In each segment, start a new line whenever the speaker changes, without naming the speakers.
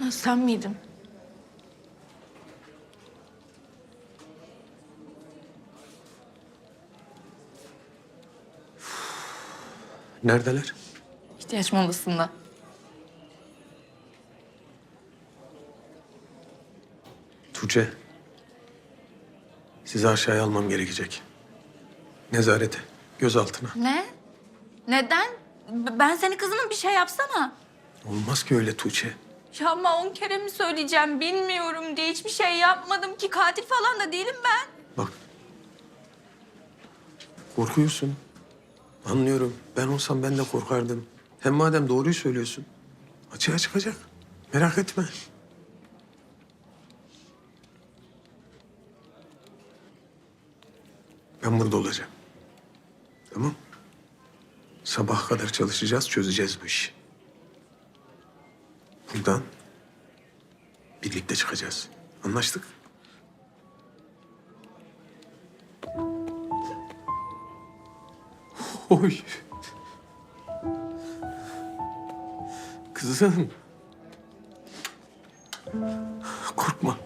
Ha, sen miydin?
Neredeler?
İhtiyaç molasında.
Tuğçe. Sizi aşağıya almam gerekecek. Nezarete, gözaltına.
Ne? Neden? Ben senin kızının bir şey yapsana.
Olmaz ki öyle Tuğçe.
Ya ama 10 kere mi söyleyeceğim bilmiyorum diye hiçbir şey yapmadım ki. Katil falan da değilim ben.
Bak. Korkuyorsun. Anlıyorum. Ben olsam ben de korkardım. Hem madem doğruyu söylüyorsun. Açığa çıkacak. Merak etme. Ben burada olacağım. Tamam. Sabaha kadar çalışacağız, çözeceğiz bu işi. Buradan birlikte çıkacağız. Anlaştık? Oy. Kızım. Korkma.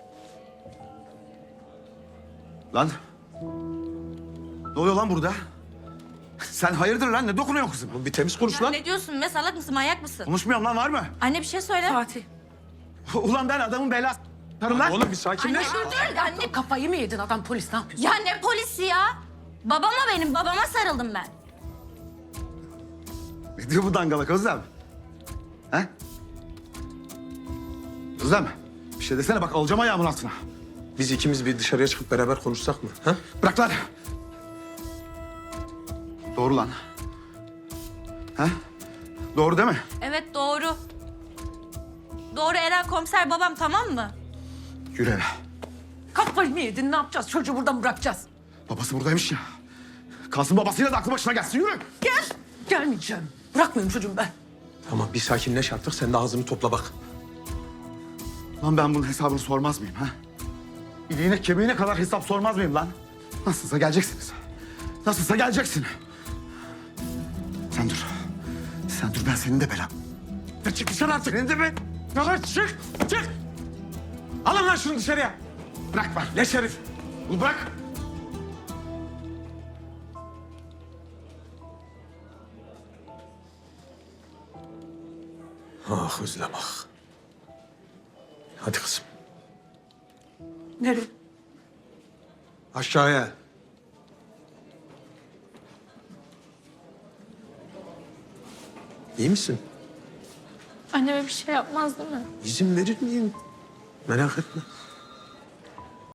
Lan. Ne oluyor lan burada? Sen hayırdır lan? Ne dokunuyorsun kızım?
Bir temiz konuş
Ya
lan.
ne diyorsun be, salak mısın, manyak mısın?
Konuşmuyorum lan, var mı?
Anne bir şey söyle.
Fatih.
Ulan ben adamın belası lan.
Oğlum bir
Anne
sakinleş.
dur anne.
Kafayı mı yedin adam, polis ne yapıyorsun?
Ya ne polisi ya? Babama benim, babama sarıldım ben.
Ne diyor bu dangalak Özlem? He? Özlem, bir şey desene bak, alacağım ayağımın altına.
Biz ikimiz bir dışarıya çıkıp beraber konuşsak mı? Ha?
Bırak lan. Doğru lan. He? Doğru değil mi?
Evet doğru. Doğru, Eren komiser babam, tamam mı?
Yürü eve.
Kafayı mı yedin, ne yapacağız? Çocuğu buradan bırakacağız.
Babası buradaymış ya. Kalsın babasıyla da aklı başına gelsin, yürü.
Gel. Gelmeyeceğim. Bırakmıyorum çocuğum ben.
Tamam bir sakinleş artık. Sen de ağzını topla bak.
Lan ben bunun hesabını sormaz mıyım ha? İliğine kemiğine kadar hesap sormaz mıyım lan? Nasılsa geleceksiniz. Nasılsa geleceksin. Sen dur. Sen dur, ben senin de belam. Ya çık dışarı artık. Senin de ben. Ya çık. Çık.
Alın lan şunu dışarıya.
Bırak bak.
Leş herif.
Bunu bırak.
Ah Özlem ah. Hadi kızım.
Nereye?
Aşağıya. İyi misin?
Anneme bir şey yapmaz değil mi?
İzin verir miyim? Merak etme.